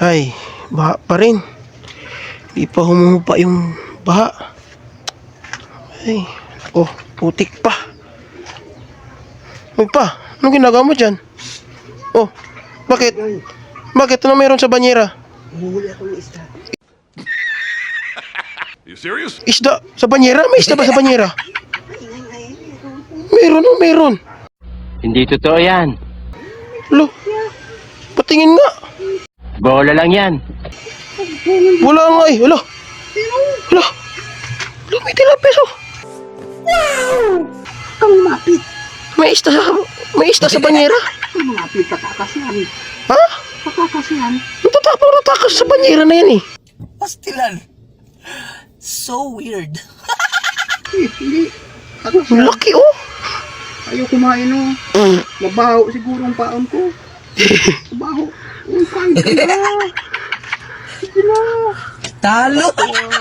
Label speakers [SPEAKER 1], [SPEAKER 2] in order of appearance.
[SPEAKER 1] Ay, baha pa rin. Di pa humuhupa yung baha. Ay, oh, putik pa. Ay pa, anong ginagawa mo dyan? Oh, bakit? Bakit? Ano meron sa banyera?
[SPEAKER 2] Humuhuli ako ng isda.
[SPEAKER 3] You serious?
[SPEAKER 1] Isda? Sa banyera? May isda ba sa banyera?
[SPEAKER 2] Ay,
[SPEAKER 1] Meron, oh, meron.
[SPEAKER 4] Hindi totoo yan.
[SPEAKER 1] Lo, patingin nga.
[SPEAKER 4] Bola lang yan.
[SPEAKER 1] Wala nga eh. Wala. Wala. Wala, may tilapis oh.
[SPEAKER 2] kang lumapit.
[SPEAKER 1] May isda sa banyera.
[SPEAKER 2] Kang lumapit, kakakasyan.
[SPEAKER 1] Ha?
[SPEAKER 2] Kakakasyan.
[SPEAKER 1] Natatapang natakas sa banyera na yan eh.
[SPEAKER 5] Pastilan. So weird.
[SPEAKER 2] Hindi.
[SPEAKER 1] Ang
[SPEAKER 2] Kakasyan.
[SPEAKER 1] laki oh.
[SPEAKER 2] Ayaw kumain oh. Mabaho siguro ang paon ko. Mabaho. Uy, kain ka na. Sige na.
[SPEAKER 5] Talo.